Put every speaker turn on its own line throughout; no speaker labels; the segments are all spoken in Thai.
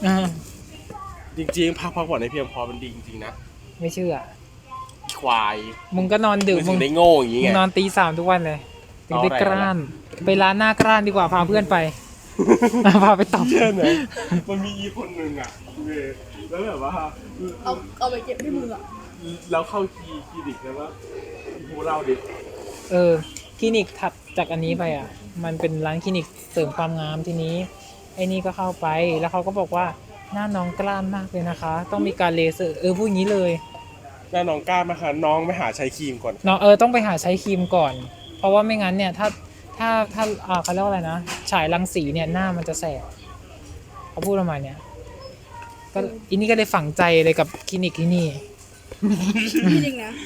จริงๆพักผ่อนให้เพียงพอมันดีจริงๆนะ
ไม่เชื่อ
ควาย
มึงก็นอนดึก
มึงได้โง่อย่างงี้ไง
นอนตี 3ทุกวันเลยถึงได้กล้านไปร้านหน้ากล้านดีกว่าพาเพื่อนไปพาไปตบ
เชื่อไหมมันมีอีคนหนึ่งอ่ะแล้วแบบว่า
เอาไปเก็บที่มืออ่ะ
แล้วเข้าคลินิกแล้วว่าพูเราดิ
คลินิกถัดจากอันนี้ไปอ่ะมันเป็นร้านคลินิกเสริมความงามทีนี้ไอ้นี่ก็เข้าไปแล้วเขาก็บอกว่าหน้าน้องกล้านมากเลยนะคะต้องมีการเลเซอร์พูดงี้เลย
หน้าน้องกล้าไหมคะน้องไปหาใช้ครีมก่อน
น้องต้องไปหาใช้ครีมก่อนเพราะว่าไม่งั้นเนี่ยถ้าเขาเรียกว่าอะไรนะฉายรังสีเนี่ยหน้ามันจะแสบเขาพูดประมาณเนี้ยก็อันนี้ก็เลยฝังใจเลยกับคลินิกที่นี่
จริงนะ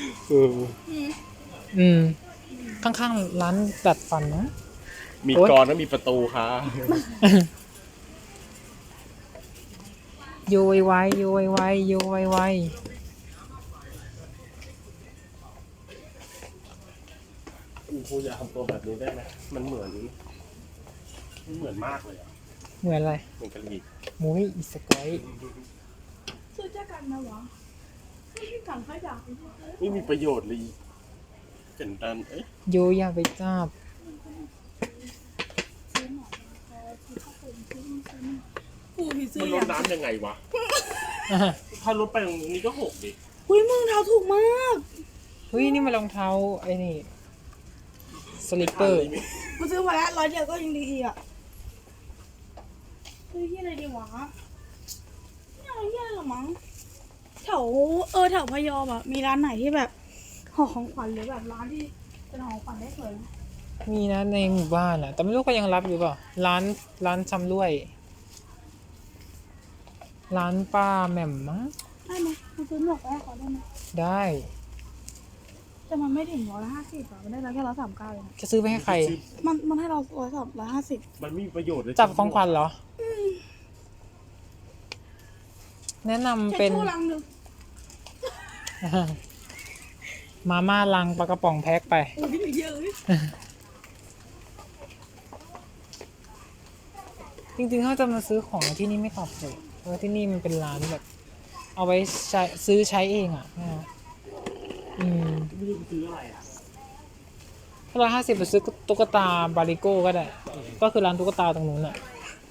ข้างๆร้านดัดฟันนะ
มีกรอนแล้วมีประตูค่ะ
โยไวโยไวโยไว
ครูอยากทำตัวแบบนี้ได้ไหมมันเหมือนมากเลยอ่ะ
เหมือนอะไร
เหมือนกะหรี่
มุ้ยอีสกอย
ซื้อจากกันนะวะที่กันขยะ
ไม่มีประโยชน์เลยเป็นดัน
โยอยากไปจับ
มันลดน้ำยังไงวะถ้าลดไปตรงนี้ก็หกดิ
อุ้ยมึงเท้าถูกมาก
เฮ้ยนี่มันรองเท้าไอ้นี่สลิปเปอร์
มาซื้อมาแล้ว100 เดียวก็ยังดีอีกอ่ะซื้อที่อะไรดีวะไม่เอาที่อะไรหรอมั้งแถวพะยอมอ่ะมีร้านไหนที่แบบห่อของขวัญหรือแบบร้านที่เป็นห่อของขวัญได้สวย
มีนะในหมู่บ้านอ่ะแต่ไม่รู้ก็ยังรับอยู่เปล่าร้านชำร่วยร้านป้าแหม่มมั้ง
ได้ไหมมาซื้อหมวกให้เขาได้ไหม
ได้
แต่มันไม่ถึง150อ่ะมันได้แค่139เอง
จะซื้อไปให้ใคร
มันให้เรา150
มันไม่มีประโยชน์เลย
จับของขวัญเหรอแนะนำเป็นมาม่าลังปลากระป๋องแพ็คไปจริงๆเขาจะมาซื้อของที่นี่ไม่ตอบโจทย์เพราะที่นี่มันเป็นร้านแบบเอาไว้ซื้อใช้เองอ่ะ
ไม่รู้ซื้ออะไรอ่ะ
150ไปซื้อตุ๊กตาบาริโก้ก็ได้ก็คือร้านตุ๊กตาตรงนู้นอ่ะ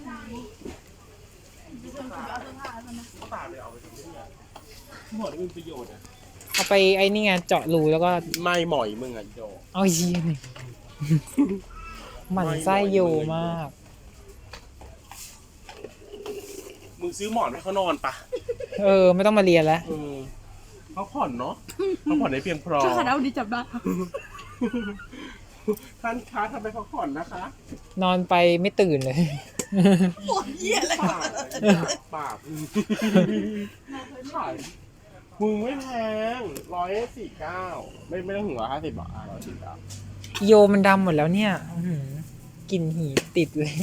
ตุ๊กตาเลยเอาไปทำที่ไหนหมดเป็นประโยชน์อ่ะ
เอาไปไอ้นี่ไงเจาะรูแล้วก็
ไม่หม่อยมึงอ่ะโย
เอาเยี่ยมหมั่นไส้โยมาก
มึงซื้อหมอนให้เขานอนปะ
ไม่ต้องมาเรียนแล้ว
เขาผ่อนเนาะเขาผ่อนได้เพียงพอ
ถ้าขาดเอาดีจับได้
ท่านค้าทำไปพักผ่อนนะคะ
นอนไปไม่ตื่นเลย
ปวดเยี่ยเลย
ปากขายมึงไม่แพง149ไม่ต้องถึง150 บาท149
โยมันดำหมดแล้วเนี่ยกลิ่นหีติดเลย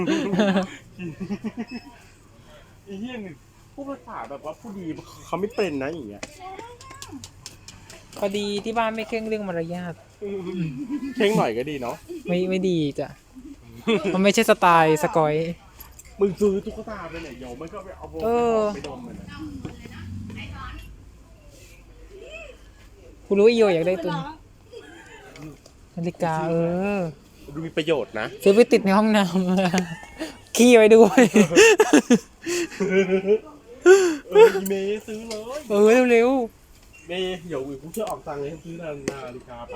อีเหี้ยนึงผู้ภาษาแบบว่าผู้ดีเขาไม่เป็นนะอย่างเงี้ย
พอดีที่บ้านไม่เคร่งเรื่องมารยาท
เคร่งหน่อยก็ดีเนาะ
ไม่ดีจ้ะมันไม่ใช่สไตล์สกอย
มึงซื้อตุ๊กตาไปไหนโยมันก็ไปเอาโบไปดมมัน
กูรู้อีโยอยากได้ตัวนาฬิกา
ดูมีประโยชน์นะ
ซื้อไปติดในห้องน้ำขี้ไว้ด้วย
เมย์ซื้อเลย
เร็ว
เมย์เดี๋ยวกูจะออกตังค์เลยซื้อนาฬิกาไป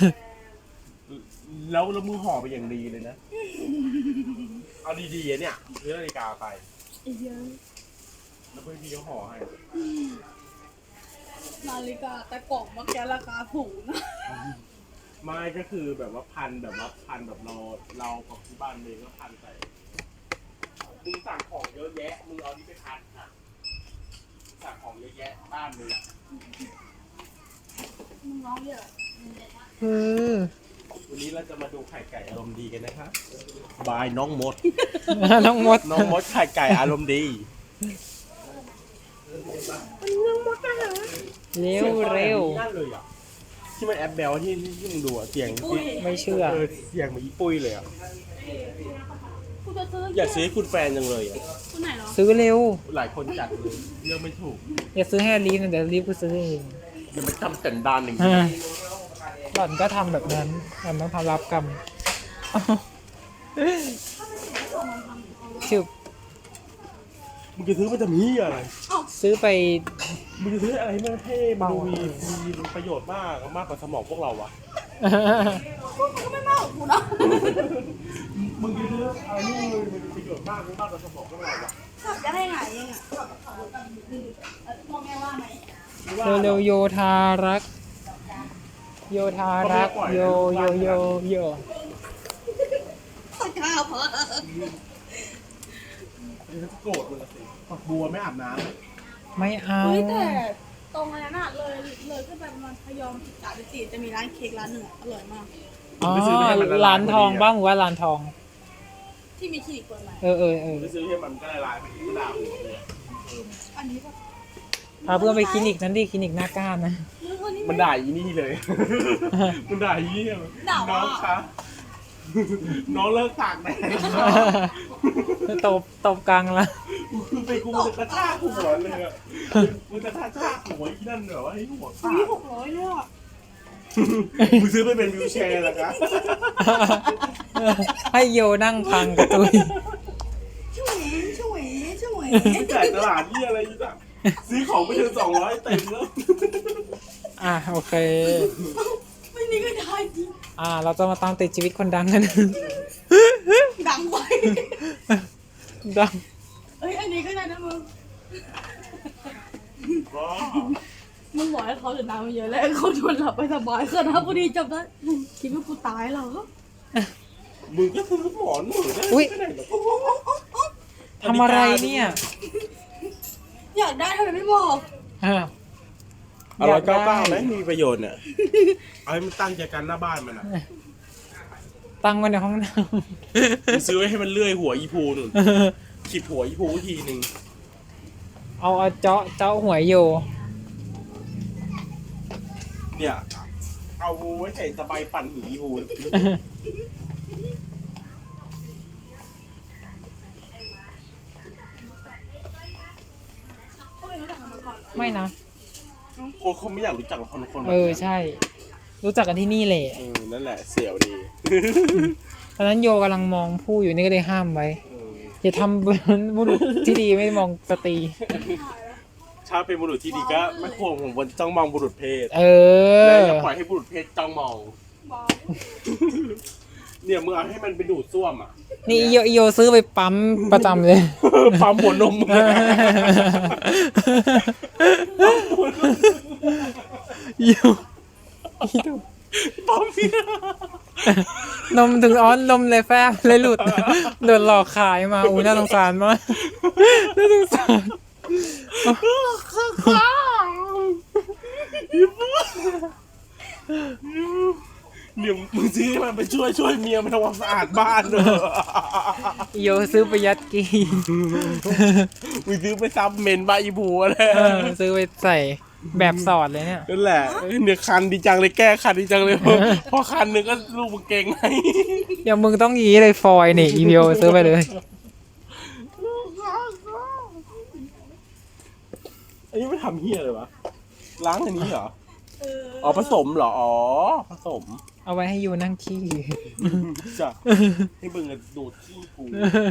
แล้วมือห่อไปอย่างดีเลยนะเอาดีๆเนี่ยซื้อนาฬิกาไปแล้วเพื่อนพี่เขาห่อให้
นาฬิกาแต่กล่องมักจะราคาถูกนะ
ไม่ก็คือแบบว่าพันแบบเราของที่บ้านเองก็พันใส่มึงสั่งของเยอะแยะมึงเอานี่ไปพันค่ะสั่งของเยอะแยะบ้านเลย
มึงร้องเยอะ
วันนี้เราจะมาดูไข่ไก่อารมณ์ดีกันนะครับบายน้องมด
น้องมด
ไข่ไก่อารมณ์ดี
น้องมดไปเหรอ
เร็ว
ที่มันแอปแบลที่มึงดูเสียง
ไม่เชื่อ
เสียงเหมือนอีปุ้ยเลย
ปุ้กูจะซื้อ
อยากซื้อให้คุณแฟนจังเลยอ่ะ
คุณไหนเหรอ
ซื้อเร็ว
หลายคนจัดเลยเลือกไม่ถูก
อย่าซื้อให้ลีฟนะเดี๋ยวลีฟกูซื้อเอง
อย่าไปทำสันดานอย่าง
อ่า
นี้
หล่อนก็ทำแบบนั้นหล่อนต้องทำรับกรรมชิบ
มึงจะซื้อมาจะมีอะไร
ซื้อไป
มึงจะซื้ออะไรมันเท่มันดูมีประโยชน์มากกว่าสมองพวกเราวะ
ก็ไม่มากกว่ากูนะ
มึงจะซื้ออะไรนี่มันมีประโยชน์มากกว่าสมองพวกเราวะ
จะได้ไงเองอ่ะพ่อแม่ว่าไหม
เร็วๆโยธารัก โยธารัก โยโย
ตะกร้าเพอ
โกรธมึงละสิฝักบัวไม่อาบน้ำไหม
ไม่เอา
เฮ้ยแต่ตรงนั้นอ่ะเลยขึ้นไปประมาณพยอม13 14จะมีร้านเค้กร้านหนึ่งอะอร่อยมาก
อ๋อร้านทองบ้างว่าร้านทอง
ที่มีคลินิกเปิดใหม่
เออ
ไปซื้อให้มันก็ละลายไปกระดาษหัวเลย
อันนี้แบบ
พาเพื่อนไปคลินิกนั้นดิคลินิกหน้าก้านนะ
วันนี้
มันด่าอีนี่เลย มันด่าอีนี่น้องคะน้องเลิกตากแดด
ตบกลางละ
คือไปกูจะกระชากหัวเลยอ่ะมึงจะกระชากหัวอีนั่นเหรอให้หัวขา
นี่
ด
600เลยอ่ะ
มึงซื้อไปเป็นวิวแชร์เหรอคะ
ให้โยนั่งพังกระตุย
ช่วย
จ่ายตลาดนี่อะไรอีกอ่ะซื้อของไปถึง200เต็มแล้ว
อ่ะโอเค
ไม่นี่ก็ได้จริง
เราจะมาตามติดชีวิตคนดังกัน
ดังไป
ดัง
เอ้ยอันนี้ก็ได้นะมึง
ก็
มึงบอกให้เขาเดินทางมาเยอะแล้วเขาชวนหลับไปสบายขนาดพอดีจำได้มึงคิดว่ากูตายเหรอ
มึงก็ซื้อหมอนหนูได้
อุ๊ย
ไม่ได้หรอก
ทำอะไรเนี่ย
อยากได้ทำไมไม่บอก
199ไหมมีประโยชน์เนี่ยเอาให้มันตั้งใจกันหน้าบ้านมันอ่ะ
ตั้งไว้ในห้องน้
มึงซื้อไว้ให้มันเลื่อยหัวอีพูหนุน
ำ
ขีดหัวอีพูทีหนึ่ง
เอาเจาะหัวโย
เนี่ยเอาไว้ใส่สบายปั่นหูอีพู
ไม่นะ
คนเขาไม่อยากรู้จักหรอกคน
ใช่ รู้จักกันที่นี่แหละ
นั่นแหละเสี่ยวดี
ตอนนั้นโยกำลังมองผู้อยู่นี่ก็เลยห้ามไว้ อย่าทำเป็นบุรุษที่ดีไม่มองสตรี
ถ้าเป็นบุรุษที่ดีก็ไม่ควรผมวันจ้องมองบุรุษเพศ
เอ
และ
อ
อย่าปล่อยให้บุรุษเพศจ้องมอง
บอก
เนี่ยมึงเอาให้มันไปดูดซ่วมอ่ะ
นี่โยซื้อไปปั๊มประจำเลย
ปั๊มหัวนมมึงอะ
โย
ปั๊มพี่
นมถึงนมเลยแฟบเลยหลุด โดนหลอกขายมาอู้น่าสงสารมากน่าสงสาร
เนี่ยมึงซื้อให้มันไปช่วยเมียมันทำความสะอาดบ้านเนอะ
โยซื้อไปยัดกี
มึงซื้อไปซับเมนบาอีบูอะไร
ซื้อไปใส่แบบสอดเลยเนี่ย
นั่นแหละเนี่ยคันดีจังเลยแก้คันดีจังเลยพอคันหนึ่งก็ลูกมึงเก่งไง
อย่างมึงต้องยี้เลยฟอยนี่อีโยซื้อไปเลย
อันนี้ไม่ทำเฮียเลยวะล้างอันนี้เหรอ
เออ
อ๋อผสมเหรอ อ๋อผสม
เอาไว้ให้โยนั่งขี้
จ้ะให้มึงอะดูดขี้กู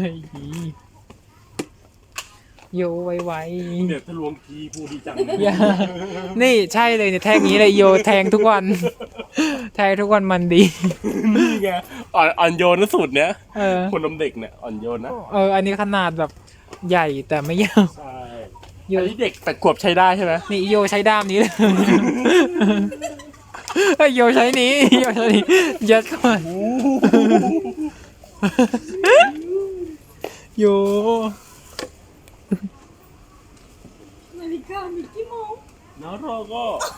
โยไว
เดี๋ยวทะลวงขี้กูดีจัง
ๆอย่านี่ใช่เลยเนี่ยแทงนี้เลยโยแทงทุกวัน แทงทุกวันมันดี
นี่ไงอ่อนโยนนะสุดเนี้ย
เออ
คนนมเด็กเนี่ยอ่อนโยนนะ
อันนี้ขนาดแบบใหญ่แต่ไม่ยาว
ใช่
โย
อันนี้เด็ก8 ขวบใช้ได้ใช่ไหม
นี่โยใช้ด้ามนี้เลยเฮ้ยโยใช้นี้โยใช้นี้ยัดเข้ามาโย
นาฬิกามีกี่โมง
แล้วเราก็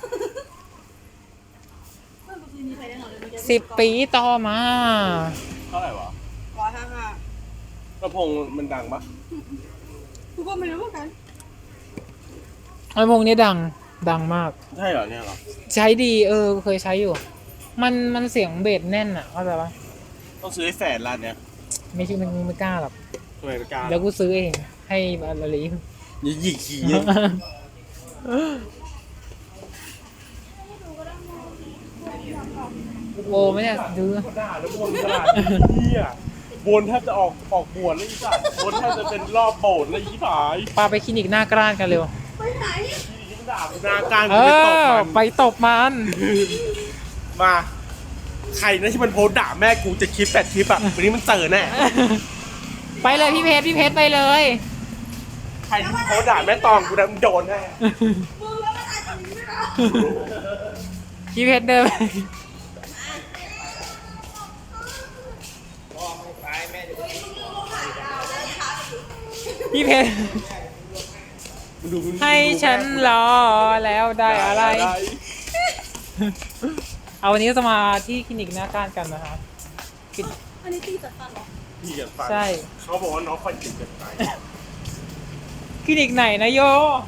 เมื่อคืนนี้ใครได้นอนเลยเมื่อกี้
10 ปีต่อมา
เท่าไหร่วะ
155
ลำโพงมันดังปะ
กูก็ไม่รู้เหมือนกัน
ไอ้พวกนี้ดังมาก
ใช่เหรอเนี่ยเหรอ
ใช้ดีเคยใช้อยู่ มันเสียงเบสแน่นอ่ะเข้าใจปะ
ต้องซื้อให้แฟนร้านเนี้ย
ไม่ใช่มันไม่กล้าหรอก
ทำไมไม่กล้า
แล้วกูซื้อเองให้บาลาลี
อย่าหยิกขี้
โอ้ไม่เนี่ยซื้อ
ด่าแล้วบนขนาดนี้อ่ะบนแทบจะออกบวชแล้วอีสัตว์บนแทบจะเป็นรอบโบสถ์แล้วอีผาย
ปาไปคลินิกหน้ากร้านกันเร็ว
ไปไหน
ยิ่งด่าหน้าการ
เอ
กูไปตบ
อ
มัน
ไปตบมัน
มาใครนะที่มันโพสต์ด่าแม่กูจะคลิป8 คลิปอ่ะวันนี้มันเจอแน่
ไปเลยพี่เพชรไปเลย
ใครที่โพสต์ด่าแม่ตองกูนะมึงโดนแน่
มึงแล้วมันอาจจะมีไม่ได้
พี่เพชรเดินไปพี่เพชร
มึงดูมึงดู
ให้ฉันรอแล้วได้อะไร เอาวันนี้จะมาที่คลินิกหน้าก้านกันนะครับ
อันนี้ตีจัดฟันเหรอ
พี่กันฟัง
ใช่
เขาบอกว่าน้องคอยจิตเกินไป
คลินิกไหนนะโย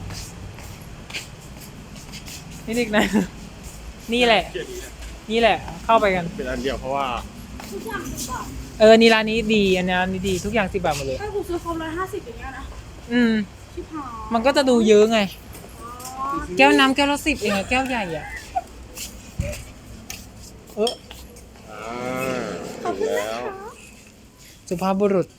คลินิกไหน นี่แหละ
เกียรตินะ
นี่แหละ เข้าไปกัน
เป็นอันเดียวเพราะว่า
ทุกอย่าง10 บาท
นี่ร้านนี้ดีอันนี้ดีทุกอย่าง10 บาทหมดเลย
ถ้ากูซื้อครบ150อย่างเงี้ยนะ
อืม
ชิบหาย
มันก็จะดูเยอะไง
อ๋อ
แก้วน้ำแก้วละ10เองอะแก้วใหญ่อะเออ
ขอบคุณนะคะ
สุภาพบุรุษ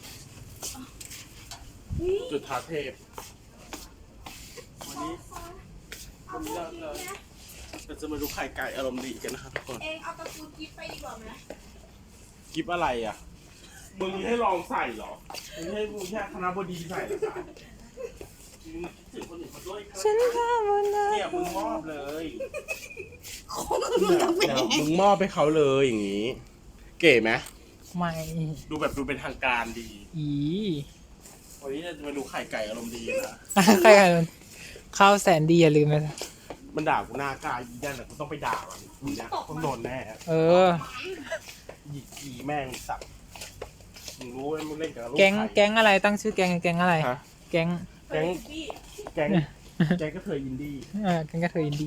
นี่
จุดท้าเทพวันนี้
เอาพวกนี้นะ
เราจะมาดูไข่ไก่อารมณ์ดีกันนะครับทุกคน
เองเอาตะปูกิ๊บไปดีกว่าไหม
กิฟอะไรอ่ะมึงให้ลองใส่เหรอมึงให้คณะบดีใส่เหรอคะมึงคิดถึงคนอื่นเขาด้วยค่ะ
ฉันทำวันนั้น
เนี่ยมึงมอบเลย
ของมึงจะเป็น
เนี่ยมึงมอบให้เขาเลยอย่างนี้ เก๋ไหม
ไม่
ดูแบบดูเป็นทางการดี
อี
วันนี้เราจะมาดูไข่ไก่อารมณ์ดีนะ
ใครกันข้าวแสนดีอย่าลืมนะ
มันด่ากูหน้ากายยีนั่นแต่กูต้องไปด่ามันกูเนี่ยต้องโดนแน่
เออ
หยิกกีแม่งสับมึงรู้ไหมมึงเล่นกับลูก
แก๊ง
ไข่
แก๊งอะไรตั้งชื่อแก๊งแก๊งอะไร
ฮะ
แก๊ง
แก๊งแก๊งแก๊งก็เธออินดี้
แก๊งกระเทยอินดี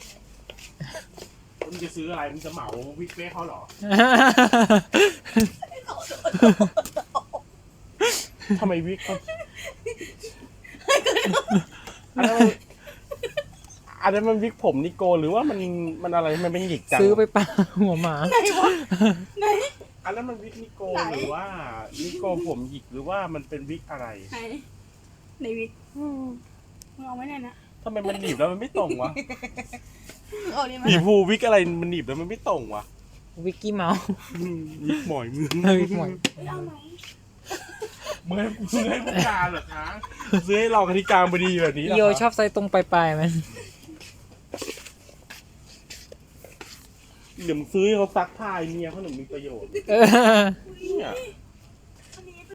มึงจะซื้ออะไรมึงจะเหมาวิกเป้เขาเหรอทำไมวิกเขาอันนั้นมันวิกผมนิโกหรือว่ามันอะไรมันเป็นหยิกจัง
ซื้อไปปาหัวหมา
ไหนวะไหน
อันนั้นมันวิกนิโกหรือว่านิโกผมหยิกหรือว่ามันเป็นวิกอะไร
ไหนไหนวิกมึงเอาไว้ไหนนะ
ทำไมมันหนีบแล้วมันไม่ตรงวะ
มึงเอานี่มา
หนีบภูวิกอะไรมันหนีบแล้วมันไม่ตรงวะ
วิกกี้เมาส์
วิกหมอยมือ
วิกหมอย
เฮ้ยเอาไหม
มึงให้ผู้การเหรอคะซื้อให้รองอธิการบดีแบบนี้เหรอ
โย
คะ
ชอบใส่ตรงปลายๆมัน
เดี๋ยวมึงซื้อให้เขาซักผ้าไอ้เมียเขาหนึ่งมีประโยชน์
เออ
เนี่ย